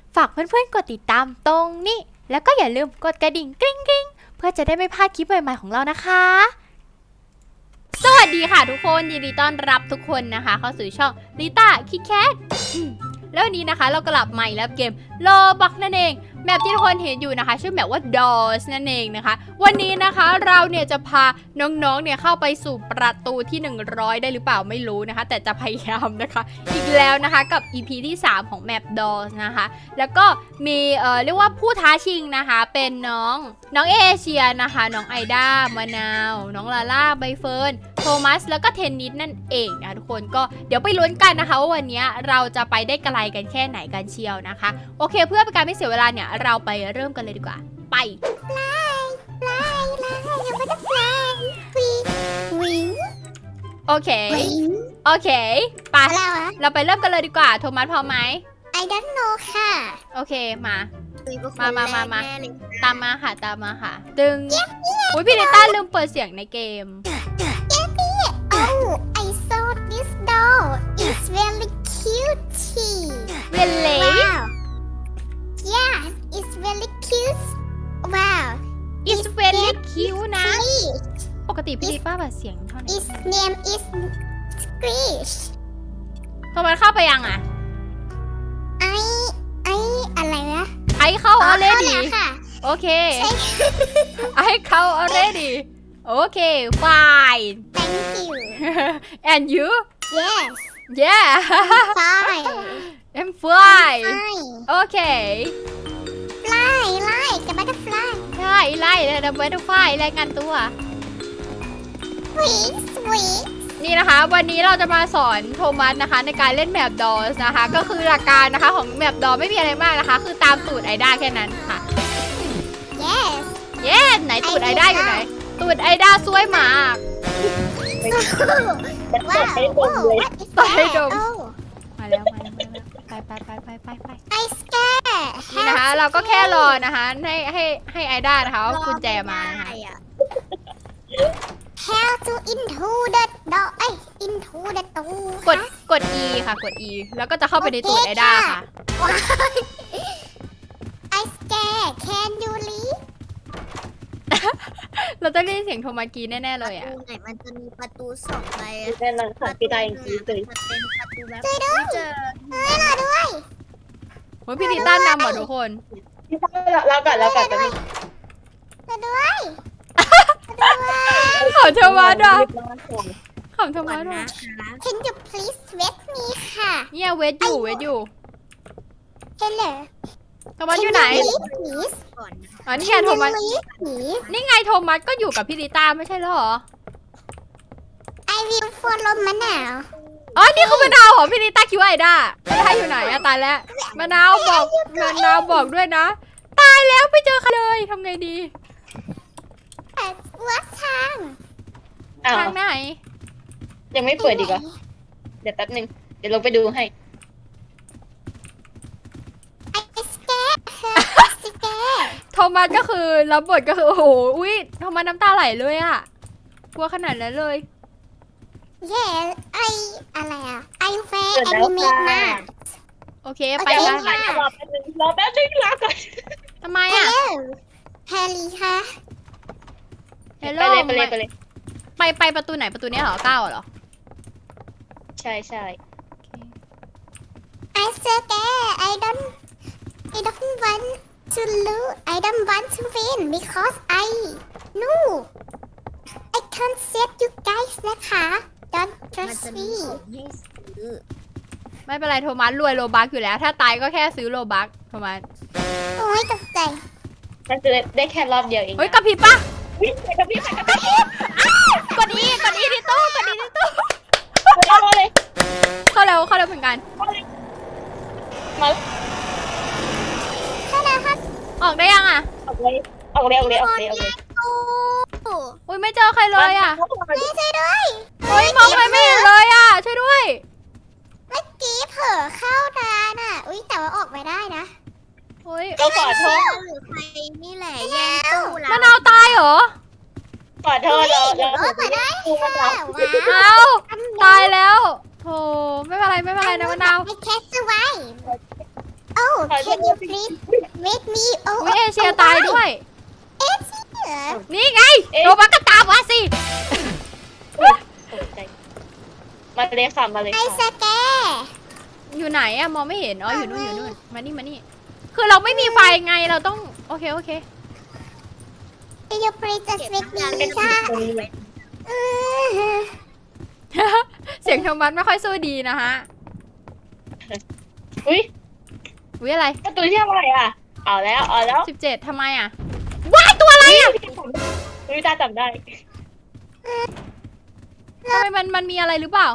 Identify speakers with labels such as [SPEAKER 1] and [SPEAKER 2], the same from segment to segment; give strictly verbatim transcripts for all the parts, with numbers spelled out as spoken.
[SPEAKER 1] ฝากเพื่อนๆกดติดตามตรงนี้แล้วก็อย่าลืมกดกระดิ่งกริ๊งกริ๊งเพื่อจะได้ไม่พลาดคลิปใหม่ๆของเรานะคะสวัสดีค่ะทุกคนยินดีต้อนรับทุกคนนะคะเข้าสู่ช่องลิต้าคิดแคทแล้ววันนี้นะคะเรากลับมาอีกแล้วเกมโลบักนั่นเองแมปที่ทุกคนเห็นอยู่นะคะชื่อแมปว่า Doors นั่นเองนะคะวันนี้นะคะเราเนี่ยจะพาน้องๆเนี่ยเข้าไปสู่ประตูที่หนึ่งร้อยได้หรือเปล่าไม่รู้นะคะแต่จะพยายามนะคะอีกแล้วนะคะกับ อี พี ที่สามของแมป Doors นะคะแล้วก็มีเอ่อเรียกว่าผู้ท้าชิงนะคะเป็นน้องน้องเอเชียนะคะน้องไอด้ามะนาวน้องลาล่าใบเฟิร์นโทมัสแล้วก็เทนนิสนั่นเองนะทุกคนก็เดี๋ยวไปลุ้นกันนะคะว่าวันนี้เราจะไปได้ไกลกันแค่ไหนกันเชียวนะคะโอเคเพื่อเป็นการไม่เสียเวลาเนี่ยเราไปเริ่มกันเลยดีกว่าไปไล่ไล่ไล่ยังไม่ได้ไล่วิงวิงโอเคโอเคไปเราไปเริ่มกันเลยดีกว่าโทมัสพร้อมไหม
[SPEAKER 2] I don't know ค่ะ
[SPEAKER 1] โอเคมามามามามาตามมาค่ะตามมาค่ะดึงอุ้ยพี่ลิต้าลืมเปิดเสียงในเกม
[SPEAKER 2] Oh I saw this doll it's very cute
[SPEAKER 1] really
[SPEAKER 2] wow yes it's very cute wow
[SPEAKER 1] it's very cute นะปกติพี่ลิต้าเปิดเสียงเท่าไหร่
[SPEAKER 2] its name is Squish
[SPEAKER 1] โทมัสเข้าไปยังอ่ะ
[SPEAKER 2] ไอไออะไรนะ
[SPEAKER 1] ไอเข้า already โอเค ไอเข้า already โอเค fine
[SPEAKER 2] thank you
[SPEAKER 1] and you
[SPEAKER 2] yes
[SPEAKER 1] yeah
[SPEAKER 2] fine
[SPEAKER 1] I'm fine โอเค
[SPEAKER 2] fly ไล่กับ butterfly
[SPEAKER 1] ใช่ไล่เลยดับเบิลไฟรายงานตัว
[SPEAKER 2] sweet sweet
[SPEAKER 1] นี่นะคะวันนี้เราจะมาสอนโทมัสนะคะในการเล่นแมปดอสนะคะก็คือหลักการนะคะของแมปดอไม่มีอะไรมากนะคะคือตามตูดไอด้าแค่นั้นค่ะ
[SPEAKER 2] yes
[SPEAKER 1] yes ไหนตูดไอด้าอยู่ไหนตูดไอด้าสวยมาก
[SPEAKER 2] ว้าว
[SPEAKER 1] เปิดให้ดมมาแล้วมาแล้วมาแล้วไปไปไปไปไปไป
[SPEAKER 2] I scare
[SPEAKER 1] นี่นะคะเราก็แค่รอนะคะให้ให้ให้ไอด้านะคะเอากุญแจมานะคะ
[SPEAKER 2] How to into the door เอ้ย into the door
[SPEAKER 1] กดกด E ค่ะกด E แล้วก็จะเข้าไปในตูดไอด้าค่ะ
[SPEAKER 2] I scare Can you leave
[SPEAKER 1] เราจะได้ยินเสียงโทมัสกรีดแน่ๆเลยอ่ะ
[SPEAKER 3] ประตูไหนมันจะมีประตูสองใบ
[SPEAKER 4] แน่นอนค่ะพี่ตายจริงๆเลย
[SPEAKER 3] มันเป็นประตูแบบ
[SPEAKER 2] ช่วยด้วย
[SPEAKER 3] เจอ
[SPEAKER 2] เฮ้ยรอด้วย
[SPEAKER 1] โอ้ยพี่ลิต้านำหมดทุกคน
[SPEAKER 4] พี่ตายเราก่อนเราก่อนไปนี่
[SPEAKER 2] รอด้วย
[SPEAKER 1] ขอโทมัสอ่ะขอโทมัสอ่ะ
[SPEAKER 2] Can you please wait me ค่ะ
[SPEAKER 1] เนี่ยเวทอยู่เวทอยู่
[SPEAKER 2] Hello
[SPEAKER 1] โทมัสอยู่ไหน
[SPEAKER 2] please
[SPEAKER 3] ก่อน
[SPEAKER 1] อ๋อนี่ไงโทมัส
[SPEAKER 2] please
[SPEAKER 1] นี่ไงโทมัสก็อยู่กับพี่ลิต้าไม่ใช่เหรอ
[SPEAKER 2] I will follow มะนาว
[SPEAKER 1] อ๋อนี่คือมะนาวเหรอพี่ลิต้าคิดว่าไอด้ามะนาวอยู่ไหนอะตายแล้วมะนาวบอกมะนาวบอกด้วยนะตายแล้วไม่เจอใครเลยทำไงดี
[SPEAKER 2] วัดทาง
[SPEAKER 4] อ้าว
[SPEAKER 1] ทางไหน
[SPEAKER 4] ยังไม่เปิดดีกว่าเดี๋ยวแป๊บนึงเดี๋ยวลงไปดูให้
[SPEAKER 2] ไอ้สแกร์สแกร์
[SPEAKER 1] โทมัสก็คือรับบทก็คือโอ้โหอุ้ยโทมัสน้ำตาไหลเลยอะกลัวขนาดนั้นเลย
[SPEAKER 2] เย่ไออะไรอ่ะไอเฟย์แอนิเมตมาก
[SPEAKER 1] โอเคไป
[SPEAKER 4] เดี๋ยว
[SPEAKER 1] กัน
[SPEAKER 4] รอแป๊บนึงรอแป๊บนึงรอก่อน
[SPEAKER 1] ทำไม
[SPEAKER 2] ฮั
[SPEAKER 1] อะ
[SPEAKER 2] ลโหลแฮร์รี่ค่ะ
[SPEAKER 1] เฮลโล
[SPEAKER 4] ไปเลยไปเลยไปเลย
[SPEAKER 1] ไปไปประตูไหนประตูเนี้ยเหรอเก้าเหรอ
[SPEAKER 4] ใช่ใช่
[SPEAKER 2] ไอสแกร์ไอ don't I don't want to lose I don't want to win because I no I can't save you guys นะคะ don't
[SPEAKER 3] มัน
[SPEAKER 2] trust
[SPEAKER 3] จะมี
[SPEAKER 2] me
[SPEAKER 3] ของให้ซื้อ
[SPEAKER 1] ไม่เป็นไรโทมัสรวยโลบักอยู่แล้ว ถ้าตายก็แค่ซื้อโลบักโทมัส
[SPEAKER 2] โอ้ยตกใจ
[SPEAKER 4] ถ้าซื้อได้แค่รอบเดียวเอง
[SPEAKER 1] เฮ้ยกระพริบปะ
[SPEAKER 4] วิ่งไปกับพี่ไปกับพี่
[SPEAKER 1] กดอีกดอีที่ตู้กดอีที่ตู้
[SPEAKER 4] มาเลย
[SPEAKER 1] เข้าเร็วเข้าเร็วเหมือนกัน
[SPEAKER 4] มาเลยมาเลย
[SPEAKER 2] ฮัลโหลครับ
[SPEAKER 1] ออกได้ยังอ่ะ
[SPEAKER 4] ออกเลยออกเลยออกเลยออกเลยออกเลย
[SPEAKER 2] โอ้
[SPEAKER 1] อุ้ยไม่เจอใครเลยอ่ะ
[SPEAKER 2] ไม่ช่วยด้วย
[SPEAKER 1] เฮ้ยมองอะไรไม่เห็นเลยอ่ะช่วยด้วย
[SPEAKER 2] เมื่อกี้เผลอเข้าร้านอ่ะ อุ้ยแต่ว่าออกไม่ได้นะ
[SPEAKER 1] เฮ้ย
[SPEAKER 4] ก็ขอโทษ
[SPEAKER 3] หรือใครนี่แหละแย่งตู้เรา
[SPEAKER 1] มะนาวตายเหรอ
[SPEAKER 4] ขอโทษเราเรา
[SPEAKER 2] ออกมาได้
[SPEAKER 4] ดูมันเรา
[SPEAKER 2] ว้าว
[SPEAKER 1] เอ้าตายแล้วโธ่ไม่เป็นไรไม่เป็นไรนะมะนาว
[SPEAKER 2] ไอแคสไว้โอ้
[SPEAKER 4] ขอ
[SPEAKER 2] can you please make me
[SPEAKER 1] อุ้
[SPEAKER 2] over
[SPEAKER 1] ยเอเชียตายด้วย
[SPEAKER 2] เอเชีย
[SPEAKER 1] นี่ไงโทมัสก็ตามมาสิ
[SPEAKER 4] ตกใจมาเลยค่ะมาเลย
[SPEAKER 2] ไอส
[SPEAKER 4] ค่ะ
[SPEAKER 2] แก
[SPEAKER 1] อยู่ไหนอะมองไม่เห็น อ๋อ อยู่นู่น อยู่นู่น มานี่ มานี่ คือเราไม่มีไฟไง เราต้อง โอเค โอเค
[SPEAKER 2] can you please just make me
[SPEAKER 3] เป็น
[SPEAKER 2] ค่ะ
[SPEAKER 3] คนเลย
[SPEAKER 2] อือ
[SPEAKER 1] เสียงโทมัสไม่ค่อยสู้ดีนะฮะ
[SPEAKER 4] อุ้ย
[SPEAKER 1] อุ้ยอะไร
[SPEAKER 4] ประตูที่อะไรอ่ะเอาแล้วเอาแล้ว
[SPEAKER 1] สิบเจ็ดทำไมอะว้ายตัวอะไรอะ
[SPEAKER 4] อุ้ยตาจำได้
[SPEAKER 1] ทำไมมัน มันมีอะไรหรือเปล่า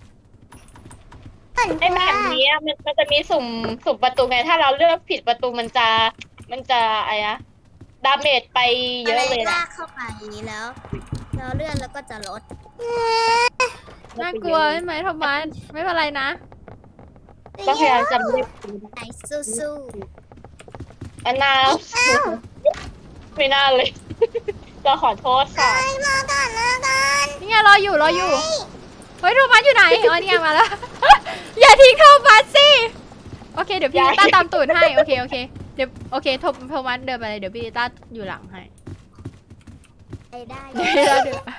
[SPEAKER 4] ไอ้แบบนี้อะมันมันจะมีสุ่มสุ่มประตูไงถ้าเราเลือกผิดประตูมันจะมันจะอะไรนะดาเมจไปเยอะเลย
[SPEAKER 3] ลา
[SPEAKER 4] นะ
[SPEAKER 3] กเข้าไปแล้วแล้วเลื่อนแล้วก็จะลด
[SPEAKER 1] น่ากลัวใช่ไหมโทมัส ไม่เป็นไรนะ
[SPEAKER 4] ก็พยายามจำได้
[SPEAKER 3] ไอสู้สู้
[SPEAKER 4] อันนาไม่น่าเลย ก็ขอโทษค่ะ
[SPEAKER 2] ไปมาก่อนมาก่อน
[SPEAKER 1] นี่ไงรออยู่ รออยู่ เฮ้ยโทมัสอยู่ไหน อ๋อเนี่ยมาแล้ว อย่าทิ้งโทมัสสิ โอเค เดี๋ยวพี่ลิต้าตามตูดให้ โอเค โอเค เดี๋ยว โอเคโทโทมัสเดินไปเลย เดี๋ยวพี่ลิต้าอยู่หลังให้
[SPEAKER 3] ไอได้
[SPEAKER 1] เดี๋ยวพี่ลิต้าเดิน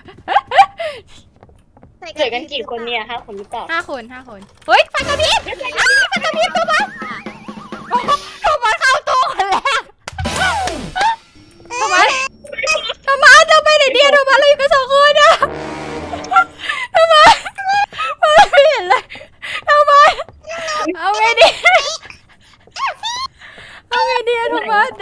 [SPEAKER 4] เหลือกันกี่คนเนี่ยห้าคนหรือเปล่า
[SPEAKER 1] ห้าคนห้าคน เฮ้ยไฟกระพริบอ้าวไฟกระพริบโทมัสโอ้โหโทมัสเข้าตู้คนแรกโทมัสโทมัสเราไปไหนเดียวโทมัสเราอยู่กันสองคนอะโทมัสโทมัสไม่เห็นเลยโทมัสเอาไงดีเอาไงดีอะโทมัส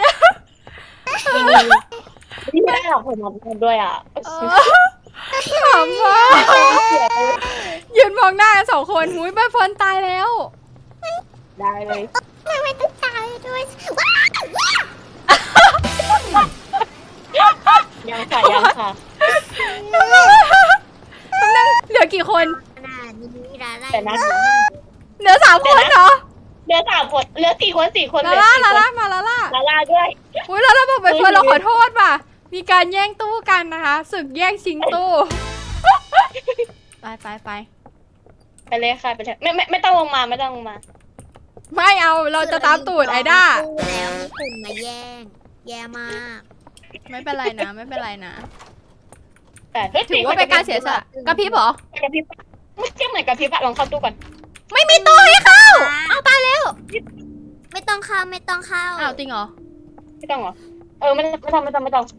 [SPEAKER 4] ไม่ได้หรอกผมทำด้วยอ่ะ
[SPEAKER 1] ขำมากยืนมองหน้ากันสองคนหุยใบฟอนตายแล้ว
[SPEAKER 4] ได้เลย
[SPEAKER 2] ทำไมต้องตายด้วยว้าว
[SPEAKER 4] ยังค่ะยังค่ะ
[SPEAKER 1] เหลือกี่คน
[SPEAKER 3] หน้านี้ลาไล่
[SPEAKER 4] แต่นะ
[SPEAKER 1] เหลือสามคนเหรอ
[SPEAKER 4] เหลือสามคนเหลือสี่คนสี่คนเห
[SPEAKER 1] ลา
[SPEAKER 4] ลือ
[SPEAKER 1] ล่า
[SPEAKER 4] สี่
[SPEAKER 1] ลา
[SPEAKER 4] คน
[SPEAKER 1] ล่ามาลาล่า
[SPEAKER 4] ลาลาด้วย
[SPEAKER 1] อุ้ยลาล่าบอกใบเฟิร์นเราขอโทษว่ะมีการแย่งตู้กันนะคะศึกแย่งชิงตู้ไปไปไป
[SPEAKER 4] ไปเลยค่ะไปเลยไม่ไม่ไม่ต้องลงมาไม่ต้องลงมา
[SPEAKER 1] ไม่เอาเราจะตามตูดไอด้า
[SPEAKER 3] แล้วมีคนมาแย่ง แย่มาก
[SPEAKER 1] ไม่เป็นไรนะไม่เป็นไรนะ
[SPEAKER 4] แต่เฮ้ย
[SPEAKER 1] ถือว่าเป็นการเสียสละกระพริบเหรอก
[SPEAKER 4] ระพริบไม่เทียบเหมือนกระพริบอะลองเข้าตู้ก่อน
[SPEAKER 1] ไม่มีตู้ให้เข้าเอาตายแล้ว
[SPEAKER 3] ไม่ต้องเข้าไม่ต้องเข้า
[SPEAKER 1] อ้าวจริงเหรอ
[SPEAKER 4] ไม่ต้องเหรอเออไม่ไม่ต้องไม่ต้องไม่ต้อง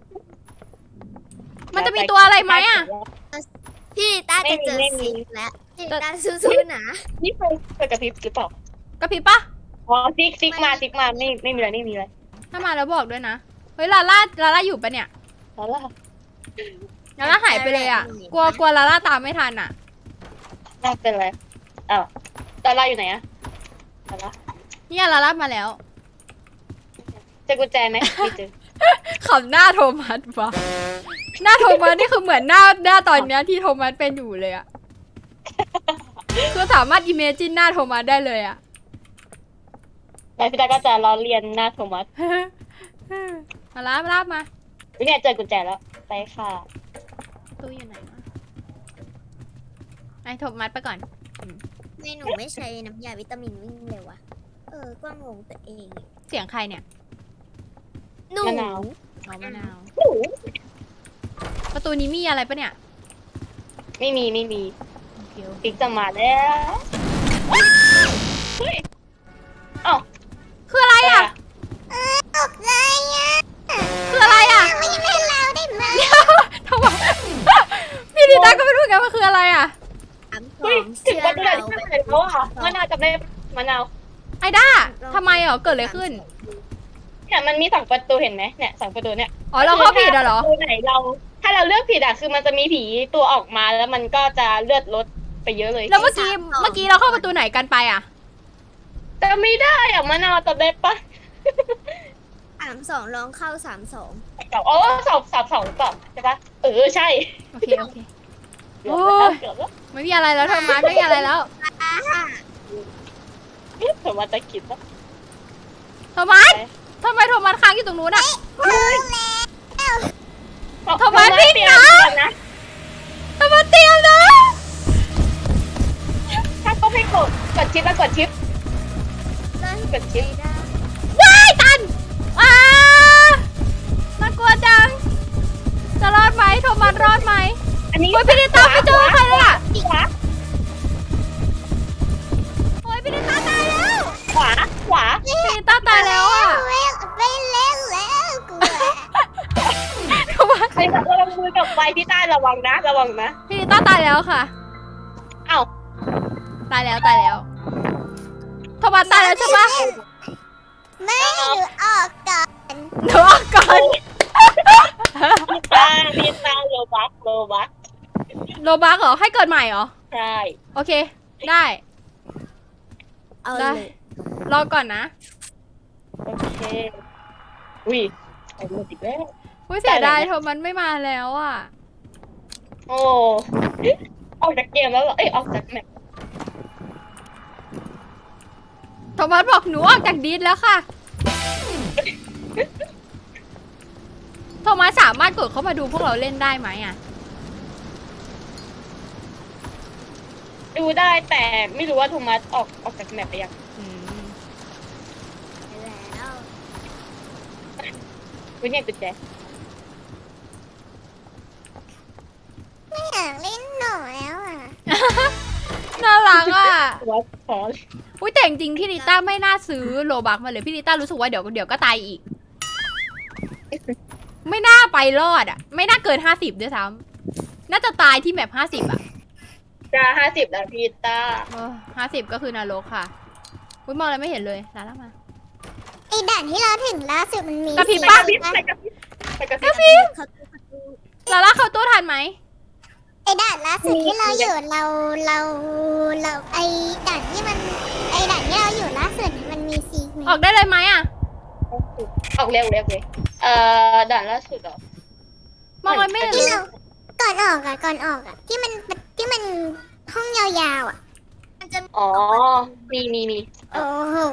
[SPEAKER 1] มันจะมีตัวอะไรไหมอะ
[SPEAKER 3] พี่ต้าจะเจอสิงแล้วพี่ต้าสู้ๆนะ
[SPEAKER 4] นี่เคยเคยกระพริบหรือเปล่าก
[SPEAKER 1] ระพริบปะ
[SPEAKER 4] อ๋อซิกซิกมาซิกมาไม่ไม่มีอะไรไม่มีอะไร
[SPEAKER 1] ถ้ามาแล้วบอกด้วยนะเฮ้ยลาล่าลาล่าอยู่ปะเนี่ย
[SPEAKER 4] แล้วล่ะ
[SPEAKER 1] ลาล่าหายไปเลยอ่ะกลัวกลัวลาล่าตามไม่ทันอ่ะ
[SPEAKER 4] น่าเป็นไรอ้าวดาราอยู่ไหนอะดารา
[SPEAKER 1] เนี่ยลาล่ามาแล้ว
[SPEAKER 4] เจอกุญแจไหมไม่เจอ
[SPEAKER 1] ขำหน้าโทมัสวะหน้าโทมัสนี่คือเหมือนหน้าหน้าตอนเนี้ยที่โทมัสเป็นอยู่เลยอ่ะคือสามารถอิเมจินหน้าโทมัสได้เลยอ่ะ
[SPEAKER 4] แล้วพี่ตาก็จะล้อเลียนหน้าโทมัส
[SPEAKER 1] มาลาบลาบมา
[SPEAKER 4] วิเนี่ยเจอกุญแจแล้วไปค่ะ
[SPEAKER 1] ตู้อยู่ไหนวะไอโทมัสไปก่อน
[SPEAKER 3] ไม่หนูไม่ใช้น้ำยาวิตามินวิ่งเลยวะเออก็งงตัวเอง
[SPEAKER 1] เสียงใครเนี่ย
[SPEAKER 3] หนู
[SPEAKER 4] มะนาว
[SPEAKER 1] อ๋อมะนาว
[SPEAKER 4] โอ้โห
[SPEAKER 1] ประตูนี้มีอะไรปะเนี่ย
[SPEAKER 4] ไม่มีไม่มี
[SPEAKER 1] โอเคโอเค
[SPEAKER 4] ฟิกจะมาแล้วเฮ้ยอ้าว
[SPEAKER 1] คืออะไรอ่ะ
[SPEAKER 2] ตกใจอ่ะ
[SPEAKER 1] คืออะไรอ่ะ
[SPEAKER 2] ไม่เล่นเราได้ไหม
[SPEAKER 1] ทำไมพี่ดิต้าก็ไม่รู้เหมือนกันว่าคืออะไรอ่ะ
[SPEAKER 3] สามสอ
[SPEAKER 4] เฮ้ย
[SPEAKER 3] ง
[SPEAKER 4] ถึง
[SPEAKER 3] เชื่อ
[SPEAKER 4] วันที่ไหน
[SPEAKER 3] เรา
[SPEAKER 4] ที่ไหนแล้วอ่ะมะนาวจำได้มะนาว
[SPEAKER 1] ไอด้าทำไมเหรอเกิดอะไรขึ้น
[SPEAKER 4] เนี่ยมันมีสองประตูเห็นไหมเนี่ยสองประตูเนี่ย
[SPEAKER 1] อ๋อเราเข้าผิดอะเหรอ
[SPEAKER 4] ประตูไหนเรา ถ้าเราเลือกผิดอ่ะคือมันจะมีผีตัวออกมาแล้วมันก็จะเลือดลดไปเยอะเลย
[SPEAKER 1] แล้วเมื่อกี้เมื่อกี้เราเข้าประตูไหนกันไปอ่ะ
[SPEAKER 4] จะไม่ได้อ่ะมะนาวจำได้ปะ
[SPEAKER 3] สามสองลองเข้าสามสอง
[SPEAKER 4] อ๋อสอบสอบสองก่อนใช่ปะเออใช่
[SPEAKER 1] โอเคโอเค
[SPEAKER 4] เกือบแล้วเกือบแล้ว
[SPEAKER 1] ไม่มีอะไรแล้วโทมัสไม่มีอะไรแล้ว
[SPEAKER 4] เผื่อมาจะคิดว่า
[SPEAKER 1] โทมัสทำไมโทมัสค้างอยู่ตรงนู้นอ่ะ โทมัสวิ่งนะ
[SPEAKER 4] นะ
[SPEAKER 1] โทมัสเตรียมนะ
[SPEAKER 4] ถ้าก็ไม่กดกดชิปแล้วกดชิป
[SPEAKER 3] เล่น
[SPEAKER 4] กดชิป
[SPEAKER 3] ไม่ได้
[SPEAKER 1] อ้าน่ากลัวจัง จะรอดไหมโทมัสรอดไหม
[SPEAKER 4] อันนี้
[SPEAKER 1] โอ้ยพี่นิต้าไม่เจอใครเลยอะ
[SPEAKER 4] ขวา
[SPEAKER 1] โอ้ยพี่นิต้าตายแล้ว
[SPEAKER 4] ขวาขวา
[SPEAKER 1] พี่นิต้าตายแล้วอะ
[SPEAKER 2] ไม่ไม่เล่นแล้วกลัว
[SPEAKER 1] โทมัส
[SPEAKER 4] ใครบอกว่าเรามือกับไฟพี่ต้าระวังนะ ระวังนะ
[SPEAKER 1] พี่นิต้าตายแล้วค่ะ
[SPEAKER 4] เอ้า
[SPEAKER 1] ตายแล้วตายแล้วโทมัสตายแล้วใช่ปะ
[SPEAKER 2] ไม่หนูออกก่อน
[SPEAKER 1] หนูออกก่อน
[SPEAKER 4] พี่ต้าพี่ต้าโลบักโลบัก
[SPEAKER 1] โลบักเหรอ ให้เกิดใหม่เหรอ
[SPEAKER 4] ใช่
[SPEAKER 1] โอเค ได้
[SPEAKER 3] เอา
[SPEAKER 1] ได้
[SPEAKER 3] เลย
[SPEAKER 1] รอก่อนนะ
[SPEAKER 4] โอเคอุ้ยไอ้หมดอีกแล้ว
[SPEAKER 1] อุ้ยเสียดาย
[SPEAKER 4] ได้เลย
[SPEAKER 1] โทมัสไม่มาแล้วอ่ะ
[SPEAKER 4] โอ้ออกจากเกมแล้วเหรอเอ้ยออกจากแมป
[SPEAKER 1] โทมัสบอกหนูออกจากดิสแล้วค่ะ โทมัสสามารถกดเข้ามาดูพวกเราเล่นได้ไหมอ่ะ
[SPEAKER 4] ดูได้แต่ไม่รู้ว่าโทมัสออกออกจากแมปไปยัง
[SPEAKER 1] อืม
[SPEAKER 3] ไปแล้ว
[SPEAKER 4] วิเนี่ยกุญแจ
[SPEAKER 2] ไม่อยากเล่นหนูแล้วอ่ะ
[SPEAKER 1] น่ารักอ่ะ
[SPEAKER 4] ตัวขอ
[SPEAKER 1] อุ้ยแต่จริงๆพี่นิต้าไม่น่าซื้อโลบักมาเลย พี่นิต้ารู้สึกว่าเดี๋ยวเดี๋ยวก็ตายอีก ไม่น่าไปรอดอ่ะ ไม่น่าเกินห้าสิบด้วยซ้ำน่าจะตายที่แมปห้าสิบอ่ะ
[SPEAKER 4] จะห้าสิบแล้วพี่ต้า
[SPEAKER 1] ห้าสิบก็คือนรกค่ะอุ้ยมองอะไรไม่เห็นเลยลาล่ามา
[SPEAKER 2] ไอ้ด่านที่เราถึงล่าสุดมันมี
[SPEAKER 1] กระพริบ
[SPEAKER 2] สี
[SPEAKER 1] ปะ
[SPEAKER 2] เหลือง
[SPEAKER 4] ไป
[SPEAKER 2] ปะ
[SPEAKER 4] กับพี่ไปกับพี่
[SPEAKER 3] เขาตู้เขาตู้
[SPEAKER 1] ลาล่าเข้าตู้ทันไหม
[SPEAKER 2] ไอ้ด่านล่าสุดที่เราอยู่เราเราเราไอ้ด่านที่มันไอ้ด่านที่เราอยู่ล่าสุดมันมีสีไหม
[SPEAKER 1] ออกได้เลยไหมอ่ะ
[SPEAKER 4] ออกเร็วเร็วเลยเอ่อด่านล่าสุดเหรอ
[SPEAKER 1] มองอะไรไม่เห็นเล
[SPEAKER 2] ที่
[SPEAKER 1] ย
[SPEAKER 2] เราก่อนออกอ่ะก่อนออกอ่ะที่มันที่มันห้องยาวๆอ่ะ
[SPEAKER 3] มันจะมี
[SPEAKER 4] อ๋อ มีมีมี
[SPEAKER 2] โอ้โห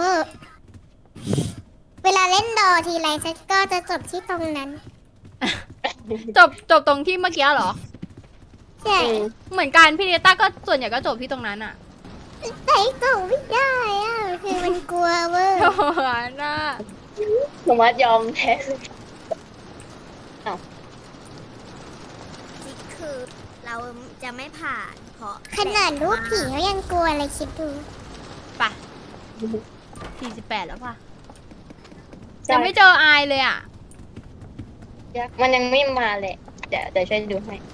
[SPEAKER 2] เวลาเล่นดอทีไรฉันก็จะจบที่ตรงนั้น
[SPEAKER 1] จบจบตรงที่เมื่อกี้เหรอ
[SPEAKER 2] ใช่
[SPEAKER 4] อืม
[SPEAKER 1] เหมือนกันพี่เนต้าก็ส่วนใหญ่ก็จบที่ตรงนั้นอ่ะ
[SPEAKER 2] ใส่กล่องไม่ได้อ่ะคือมันกลัวเวอร์
[SPEAKER 1] โอ้โหน่า
[SPEAKER 4] โทมัสยอมแพ้เลย
[SPEAKER 3] จิกคือเราจะไม่ผ่านเพราะ
[SPEAKER 2] ขนาดลูกผีเขายังกลัวเลยคิดดู
[SPEAKER 1] ไปสี่สิบแปดแล้วป่ะยังไม่เจออายเลยอ่ะ
[SPEAKER 4] มันยังไม่มาเลยเดี๋ยวเดี๋ยวช่วยดูให้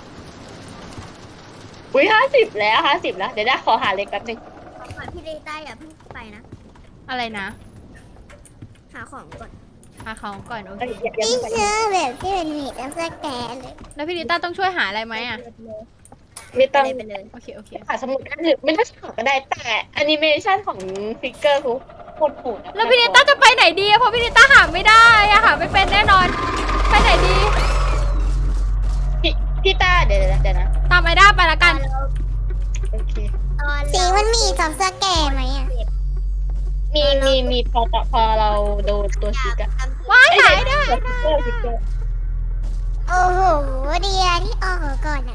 [SPEAKER 4] อุ้ยห้าสิบแล้วห้าสิบแล้ว เดี๋ยวได้ขอหาเล็กแป๊บนึง
[SPEAKER 3] ก่อนพี่เดต้าอย่าเพิ่งไปนะ
[SPEAKER 1] อะไรนะ
[SPEAKER 3] หาของก่อน
[SPEAKER 1] หาของก่อนโอเค
[SPEAKER 4] เอ้ยอย่าอย่า
[SPEAKER 2] นี่
[SPEAKER 4] เพิ่งไป
[SPEAKER 2] เชื่อแบบที่มันมีตั้งแต่แกเลย
[SPEAKER 1] แล้วพี่เนต้าต้องช่วยหาอะไรไหมอ่ะ
[SPEAKER 4] ไม่
[SPEAKER 3] ไป
[SPEAKER 4] ต้อง
[SPEAKER 3] เลยไปเลย
[SPEAKER 1] โอเคโอเค
[SPEAKER 4] หาสมุดก็ได้ไม่ต้องหาก็ได้แต่แอนิเมชันของฟิกเกอร์เขาโคตรโหดอะ
[SPEAKER 1] แล้วพี่เนต้าจะไปไหนดีอะเพราะพี่เนต้าหาไม่ได้อะหาไม่เป็นแน่นอน ไปไหนดี
[SPEAKER 4] พี่พี่ต้าเดี๋ยวเดี๋ยวเดี๋ยวนะ
[SPEAKER 1] ตามไอด้าไปละกัน
[SPEAKER 4] โอเค
[SPEAKER 3] ตอน
[SPEAKER 2] สี
[SPEAKER 3] เรา
[SPEAKER 2] มันมีจอมสแกร์ไหมอ่ะ
[SPEAKER 4] มีมีมีพอต่อพอเราโดนตัว
[SPEAKER 3] อ
[SPEAKER 4] ซิ
[SPEAKER 3] ยาก
[SPEAKER 4] กอะ
[SPEAKER 3] ทำ
[SPEAKER 1] ว้ายหายได้
[SPEAKER 4] ฟิกเกอร์ฟิกเกอร์
[SPEAKER 2] โอ้โหเดียที่ออกก่อนอ่ะ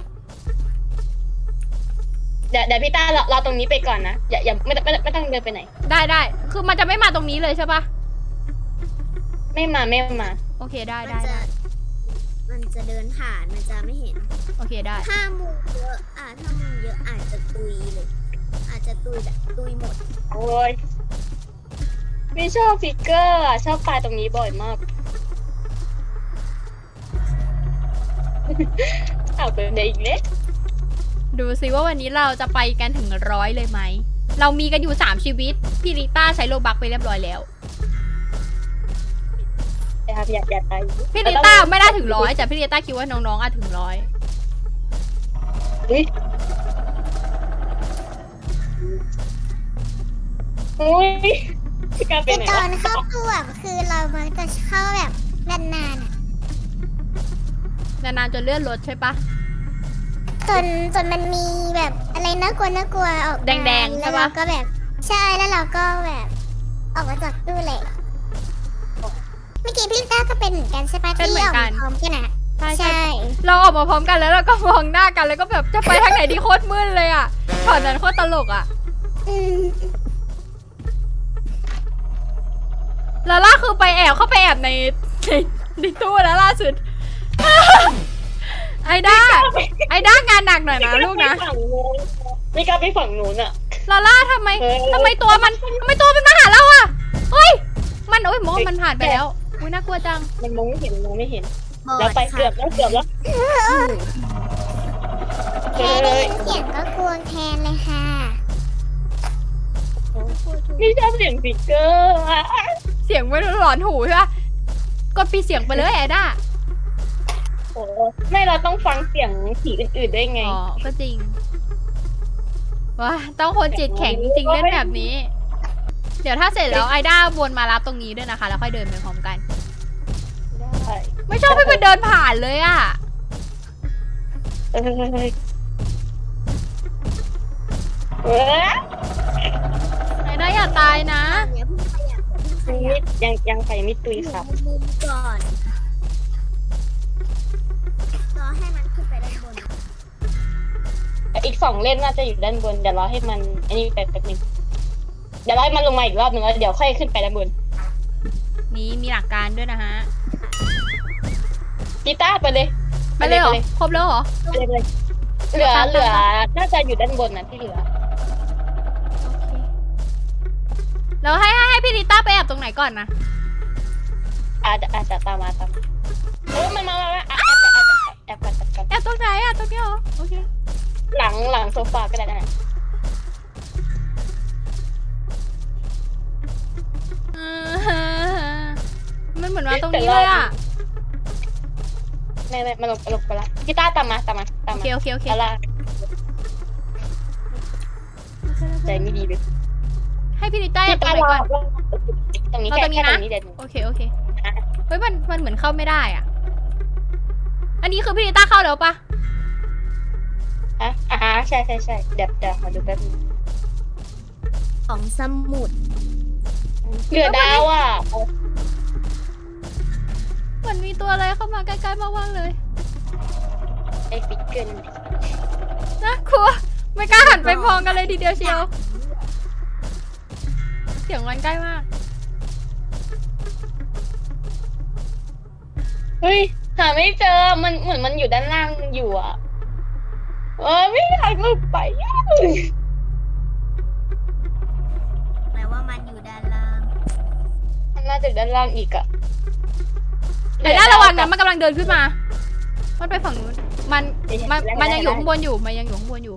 [SPEAKER 4] เดี๋ยวเดี๋ยวพี่ต้ารอรอตรงนี้ไปก่อนนะอย่าอย่าไม่ต้องไม่ต้องไม่ต้องเดินไปไหน
[SPEAKER 1] ได้ได้ คือมันจะไม่มาตรงนี้เลยใช่ปะ
[SPEAKER 4] ไม่มาไม่มา
[SPEAKER 1] โอเคได้
[SPEAKER 3] มัน
[SPEAKER 1] ได้
[SPEAKER 3] จะ
[SPEAKER 1] ได้
[SPEAKER 3] มันจะเดินผ่านมันจะไม่เห็น
[SPEAKER 1] โอเคได้
[SPEAKER 3] ถ้ามุงเยอะอ่ะถ้ามุงเยอะอาจจะตุยเลย อาจจะตุยแบบตุยหมด
[SPEAKER 4] โอ้ยไม่ชอบฟิกเกอร์อะชอบตายตรงนี้บ่อยมาก เอาไปเลยอีกเล็ก
[SPEAKER 1] ดูซิว่าวันนี้เราจะไปกันถึงร้อยเลยไหม เรามีกันอยู่สามชีวิต พี่ริต้าใช้โลบักไปเรียบร้อยแล้ว
[SPEAKER 4] นะครับอย่าอย่าตาย
[SPEAKER 1] พี่ริต้าไม่ได้ถึงร้อยแต่พี่ริต้าคิดว่าน้องๆอาจถึงร้อย
[SPEAKER 4] อุ้ยอุ้ยพี่การไป
[SPEAKER 2] คือ
[SPEAKER 4] ไหน
[SPEAKER 2] ตอ
[SPEAKER 4] วะ
[SPEAKER 2] นเข้าตัวคือเรามักจะเข้าแบบนานๆอ่ะ
[SPEAKER 1] นานๆจนเลื่อนรถใช่ปะ
[SPEAKER 2] จนจนมันมีแบบอะไรน่ากลัวน่ากลัวออกมา
[SPEAKER 1] แดงๆใช่
[SPEAKER 2] แล้ว
[SPEAKER 1] ปะ
[SPEAKER 2] เราก็แบบใช่แล้วเราก็แบบ ออกมาจากตู้เลยเมื่อกี้พี่ต้าก็เป็นเหมือนกันใช่ปะที่ออกมาพร้อมกันอ่ะ
[SPEAKER 1] ใช่ใช่
[SPEAKER 2] ใช่
[SPEAKER 1] เราออกมาพร้อมกันแล้วเราก็มองหน้ากันแล้วก็แบบจะไปทางไหนดีโคตรมืดเลยอ่ะตอนนั้นโคตรตลกอ่ะ
[SPEAKER 2] อืม
[SPEAKER 1] ลาล่าคือไปแอบเข้าไปแอบในในในตู้แล้วล่าสุด ไอด้าไอด้างานหนักหน่อยนะลูกนะ
[SPEAKER 4] ไม่กล้าไปฝั่งนู้นอ่ะ
[SPEAKER 1] ลาล่าทำไม
[SPEAKER 4] เออ
[SPEAKER 1] ทำไมตัวมันทำไมตัวมันมาหาเราอะเฮ้ยมันโอ้ยมองมันผ่านไปแล้วอุ้ยน่ากลัวจัง
[SPEAKER 4] มันมองไม่เห็นมันมองไม่เห็น
[SPEAKER 3] หมด
[SPEAKER 4] แล้วไป
[SPEAKER 3] ค่ะ
[SPEAKER 4] เกือบแล้วเกือบแล้ว
[SPEAKER 2] แค่ได้ยินเสียงก็กลัวแทนเลยค่ะ
[SPEAKER 4] นี่ชอบเสียงสติกเกอร์อะ
[SPEAKER 1] เสียงไม่หลอนหูใช่ปะกดปีเสียงไปเลยไอด้า
[SPEAKER 4] โอ้ไม่เราต้องฟังเสียงผีอื่นๆได้ไง
[SPEAKER 1] อ๋อก็จริงว้าต้องคนจิตแข็งจริงๆเล่นแบบนี้ เดี๋ยวถ้าเสร็จแล้วไอด้าวนมารับตรงนี้ด้วยนะคะ แล้วค่อยเดินไปพร้อมกัน
[SPEAKER 4] ได้
[SPEAKER 1] ไม่ชอบให้มันเดินผ่านเลยอะ
[SPEAKER 4] เอ้ยเออ
[SPEAKER 1] ไอด้าอย่าตายนะ
[SPEAKER 3] อันเนี้ยเพิ่งขยับเพิ่งข
[SPEAKER 4] นี่
[SPEAKER 3] ยับ
[SPEAKER 4] ยังยังไปไม่ตุยครับ
[SPEAKER 3] มุมก่อนรอให้มันขึ้นไปด้านบน
[SPEAKER 4] อีกสองเล่มน่าจะอยู่ด้านบนเดี๋ยวรอให้มันอันนี้แป๊บแป๊บนึงเดี๋ยวรอให้มันลงมาอีกรอบนึงแล้วเดี๋ยวค่อยขึ้นไปด้านบน
[SPEAKER 1] นี่มีหลักการด้วยนะฮะ
[SPEAKER 4] กีตาร์ไปเลย
[SPEAKER 1] ไปเลยเหรอครบแล้วเหรอ
[SPEAKER 4] ไปเลยไปเลยเหลือเหลือน่าจะอยู่ด้านบนนะที่เหลือ
[SPEAKER 1] แล้วให้ให้ให้พี่ลิต้าไปแอบตรงไหนก่อนนะ
[SPEAKER 4] อาจจะอาจจะตามมาตามมาเออมันมามามาแอบแอบแอบแอบแอบแอบ
[SPEAKER 1] แอบตรงไหนอะตรงนี้เหรอโอเค
[SPEAKER 4] หลังหลังโซฟาก็ได้นะ
[SPEAKER 1] เออมันเหมือนมาตรงนี้เลยอะ
[SPEAKER 4] ไม่ไม่มาลงมาลงไปละกีตาร์ตามมาตามมาตาม
[SPEAKER 1] โอ
[SPEAKER 4] มา
[SPEAKER 1] เคโอเคโอเค
[SPEAKER 4] อะไรใจไม่ดีเลย
[SPEAKER 1] ให้พี่ลิต้าแอบตรงไหนก่อน
[SPEAKER 4] ตรงนี้
[SPEAKER 1] เอา
[SPEAKER 4] แค่
[SPEAKER 1] ตรงนี้
[SPEAKER 4] แค่
[SPEAKER 1] นะ
[SPEAKER 4] ตรงนี้เดี๋ยว
[SPEAKER 1] โอเคโอเคเฮ้ยมันมันเหมือนเข้าไม่ได้อ่ะ อันนี้คือพี่ลิต้าเข้าแล้วปะ
[SPEAKER 4] อ่ะอ่าใช่ใช่ใช่เดี๋ยวเดี๋ยวขอดูแป๊บนึง
[SPEAKER 3] ของสมุด
[SPEAKER 4] เหลือดาวอ่ะ
[SPEAKER 1] เหมือนมีตัวอะไรเข้ามาใกล้ๆมากๆเลย
[SPEAKER 4] ไอ้ฟิกเกิล
[SPEAKER 1] น่ากลัวไม่กล้าหันไปมองกันเลยทีเดียวเชียว เสียงมันใกล้มาก
[SPEAKER 4] เฮ้ยหาไม่เจอมันเหมือนมันอยู่ด้านล่างอยู่อ่ะเออไม่อยากลุกไปอ่ะ
[SPEAKER 3] แปลว่ามันอยู่ด้านล่าง
[SPEAKER 4] มันน่าจะอยู่ด้านล่างอีกอ่ะ
[SPEAKER 1] แต่น่าระวังนะมันกำลังเดินขึ้นมามันไปฝั่งนู้นมันมันมันยังอยู่ข้างบนอยู่มันยังอยู่ข้างบนอยู่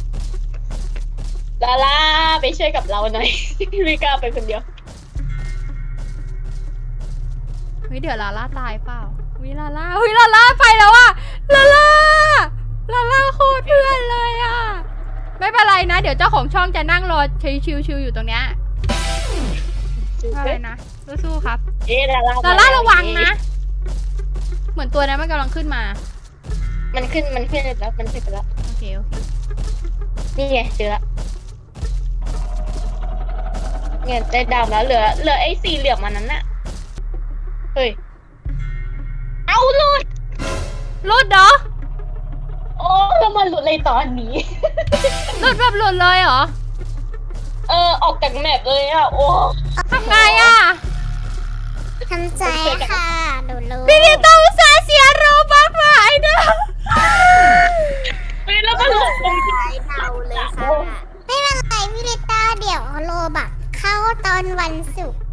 [SPEAKER 4] ลาล่าไปช่วยกับเราหน่อย ไม่กล้าไปคนเดียว
[SPEAKER 1] เฮ้ยเดี๋ยวลาล่าตายเปล่าวิลาล่าเฮ้ยลาล่าไปแล้วอะลาล่าลาล่าโคตรเพื่อนเลยอะไม่เป็นไรนะ เดี๋ยวเจ้าของช่องจะนั่งรอชิวๆอยู่ตรงเนี้ยไม่เป็นไรนะสู้ๆครับ
[SPEAKER 4] เอ๊ะลาล่า
[SPEAKER 1] ลาล่าระวังนะ เหมือนตัวนั้นมันกำลังขึ้นมา
[SPEAKER 4] มันขึ้นมันขึ้นแล้วมันขึ้นไปแล้ว
[SPEAKER 1] โอเคโอเค
[SPEAKER 4] นี่ไงเจอละเนี่ยได้ดาวแล้วเหลือเหลือไอ้สี่เหลี่ยมมันนั้นน่ะเฮ้ยเอาหลุด
[SPEAKER 1] หลุดเหรอ
[SPEAKER 4] โอ้แล้วมันหลุดเลยตอนนี้
[SPEAKER 1] หลุดแบบหลุดเลยเหรอ
[SPEAKER 4] เออออกจากแมปเลยอ่ะโอ้
[SPEAKER 1] ทำไงอะ
[SPEAKER 2] ทำใจค่ะหนูรู้
[SPEAKER 1] พี่ลิต้าอุตส่าห์เสียโรบัคมาไอ้เด้อ
[SPEAKER 4] เฮ้ยแล้วมันหลุดตรงที่
[SPEAKER 3] ใช้เดาเลยค่ะ
[SPEAKER 2] ไม่เป็นไรพี่ลิต้าเดี๋ยวโลบักเข้าตอนวันศุกร์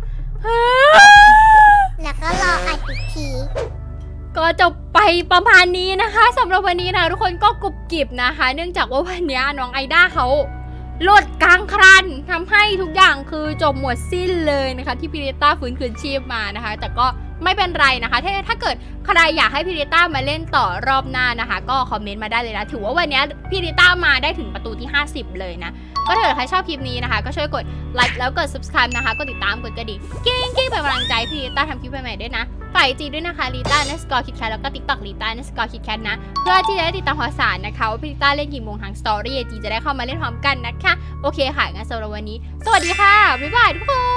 [SPEAKER 2] แล้วก็รออัดอีกที
[SPEAKER 1] ก็จบไปประมาณนี้นะคะสำหรับวันนี้นะทุกคนก็กรุบกริบนะคะ เนื่องจากว่าวันนี้น้องไอด้าเขาหลุดกลางครันทำให้ทุกอย่างคือจบหมดสิ้นเลยนะคะ ที่พิริต้าฟื้นคืนชีพมานะคะ แต่ก็ไม่เป็นไรนะคะถ้าถ้าเกิดใครอยากให้พิริต้ามาเล่นต่อรอบหน้านะคะ ก็คอมเมนต์มาได้เลยนะถือว่าวันนี้พิริต้ามาได้ถึงประตูที่ห้าสิบเลยนะก็ถ้าเกิดใครชอบคลิปนี้นะคะ ก็ช่วยกดไลค์แล้วกด subscribe นะคะกดติดตามกดกระดิ่งกิ้งกิ้งเป็นกำลังใจพิริต้าทำคลิปใหม่ๆด้วยนะฝ่ายจีด้วยนะคะลีต้าเนสกอร์คิดแคทแล้วก็ติ๊กต็อกลีต้าเนสกอร์คิดแคทนะเพื่อที่จะได้ติดตามข่าวสารนะคะว่าพิริต้าเล่นกี่โมงทางสตอรี่จีจะได้เข้ามาเล่นพร้อมกันนะคะโอเคค่ะงั้นสำหรับวันนี้สวัสดีค่ะบ๊ายบายทุกคน